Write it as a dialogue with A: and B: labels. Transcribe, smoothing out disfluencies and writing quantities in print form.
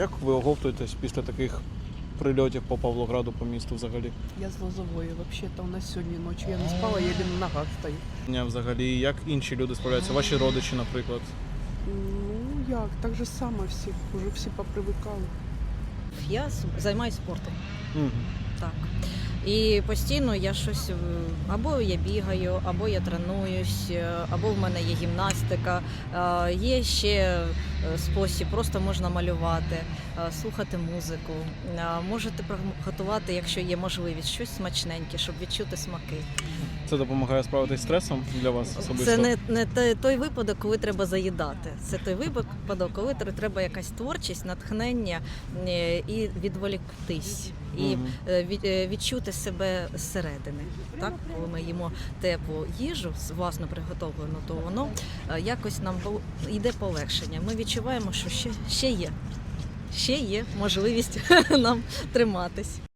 A: Як ви оговтуєтесь після таких прильотів по Павлограду, по місту взагалі?
B: Я з Лозової. Взагалі-то у нас сьогодні ночі я не спала, я на ногах стою.
A: Взагалі, як інші люди справляються? Ваші родичі, наприклад?
B: Ну як, так же само всі, вже всі попривикали.
C: Я займаюся спортом.
A: Угу.
C: Так. І постійно я щось або я бігаю, або я тренуюсь, або в мене є гімнастика. Є ще спосіб, просто можна малювати, слухати музику. Можете приготувати, якщо є можливість, щось смачненьке, щоб відчути смаки.
A: Це допомагає справитися з стресом для вас особисто?
C: Це не той випадок, коли треба заїдати. Це той випадок, коли треба якась творчість, натхнення і відволіктись. І відчути себе зсередини. Так? Коли ми їмо теплу їжу, власно приготовлену, то воно якось нам йде полегшення. Ми відчуваємо, що ще є можливість нам триматись.